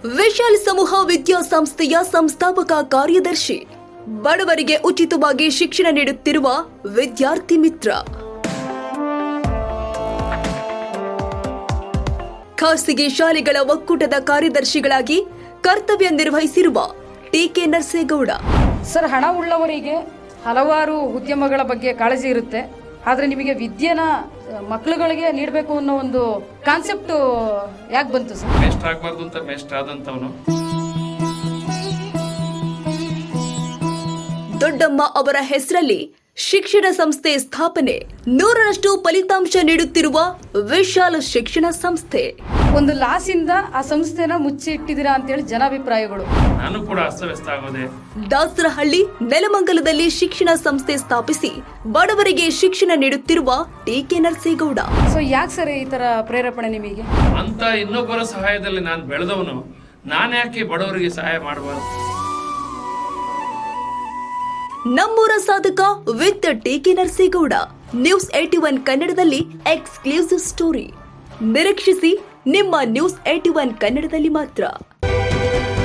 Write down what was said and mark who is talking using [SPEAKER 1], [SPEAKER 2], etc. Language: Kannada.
[SPEAKER 1] ವಿಶಾಲ್ ಸಮೂಹ ವಿದ್ಯಾಸಂಸ್ಥೆಯ ಸಂಸ್ಥಾಪಕ ಕಾರ್ಯದರ್ಶಿ. ಬಡವರಿಗೆ ಉಚಿತವಾಗಿ ಶಿಕ್ಷಣ ನೀಡುತ್ತಿರುವ ವಿದ್ಯಾರ್ಥಿ ಮಿತ್ರ. ಖಾಸಗಿ ಶಾಲೆಗಳ ಒಕ್ಕೂಟದ ಕಾರ್ಯದರ್ಶಿಗಳಾಗಿ ಕರ್ತವ್ಯ ನಿರ್ವಹಿಸಿರುವ ಟಿ.ಕೆ. ನರಸೇಗೌಡ.
[SPEAKER 2] ಸರ್, ಹಣ ಉಳ್ಳವರಿಗೆ ಹಲವಾರು ಉದ್ಯಮಗಳ ಬಗ್ಗೆ ಕಾಳಜಿ ಇರುತ್ತೆ. ಆದರೆ ನಿಮಗೆ ವಿದ್ಯೆನ ಮಕ್ಕಳುಗಳಿಗೆ ನೀಡಬೇಕು ಅನ್ನೋ ಒಂದು ಕಾನ್ಸೆಪ್ಟ್ ಯಾಕೆ ಬಂತು ಸರ್?
[SPEAKER 3] ಮೇಸ್ಟರ್ ಆಗಬಾರ್ದು ಅಂತ ಮೇಸ್ಟರ್ ಆದಂತವನು.
[SPEAKER 1] ದೊಡ್ಡಮ್ಮ ಅವರ ಹೆಸರಲ್ಲಿ ಶಿಕ್ಷಣ ಸಂಸ್ಥೆ ಸ್ಥಾಪನೆ. 100ರಷ್ಟು ಫಲಿತಾಂಶ ನೀಡುತ್ತಿರುವ ವಿಶಾಲ ಶಿಕ್ಷಣ ಸಂಸ್ಥೆ.
[SPEAKER 2] ಒಂದು ಲಾಸಿಂದ ಆ ಸಂಸ್ಥೆನ ಮುಚ್ಚಿ ಇಟ್ಟಿದ್ದೀರಾ ಅಂತೇಳಿ ಜನಾಭಿಪ್ರಾಯಗಳು.
[SPEAKER 3] ನಾನು ಕೂಡ ಅಸ್ತವ್ಯಸ್ತ ಆಗೋದೆ.
[SPEAKER 1] ದಾಸರಹಳ್ಳಿ, ನೆಲಮಂಗಲದಲ್ಲಿ ಶಿಕ್ಷಣ ಸಂಸ್ಥೆ ಸ್ಥಾಪಿಸಿ ಬಡವರಿಗೆ ಶಿಕ್ಷಣ ನೀಡುತ್ತಿರುವ ಟಿ.ಕೆ. ನರಸೇಗೌಡ.
[SPEAKER 2] ಸೊ ಯಾಕೆ ಸರ್ ಈ ತರ ಪ್ರೇರೇಪಣೆ ನಿಮಗೆ?
[SPEAKER 3] ಅಂತ ಇನ್ನೊಬ್ಬರ ಸಹಾಯದಲ್ಲಿ ನಾನು ಬೆಳೆದವನು, ನಾನು ಯಾಕೆ ಬಡವರಿಗೆ ಸಹಾಯ ಮಾಡಬಾರ್ದು?
[SPEAKER 1] ನಮ್ಮೂರ ಸಾಧಕ ವಿತ್ ಟಿ.ಕೆ. ನರಸೇಗೌಡ. ನ್ಯೂಸ್ 81 ಕನ್ನಡದಲ್ಲಿ ಎಕ್ಸ್ಕ್ಲೂಸಿವ್ ಸ್ಟೋರಿ. ನಿರೀಕ್ಷಿಸಿ ನಿಮ್ಮ ನ್ಯೂಸ್ 81 ಕನ್ನಡದಲ್ಲಿ ಮಾತ್ರ.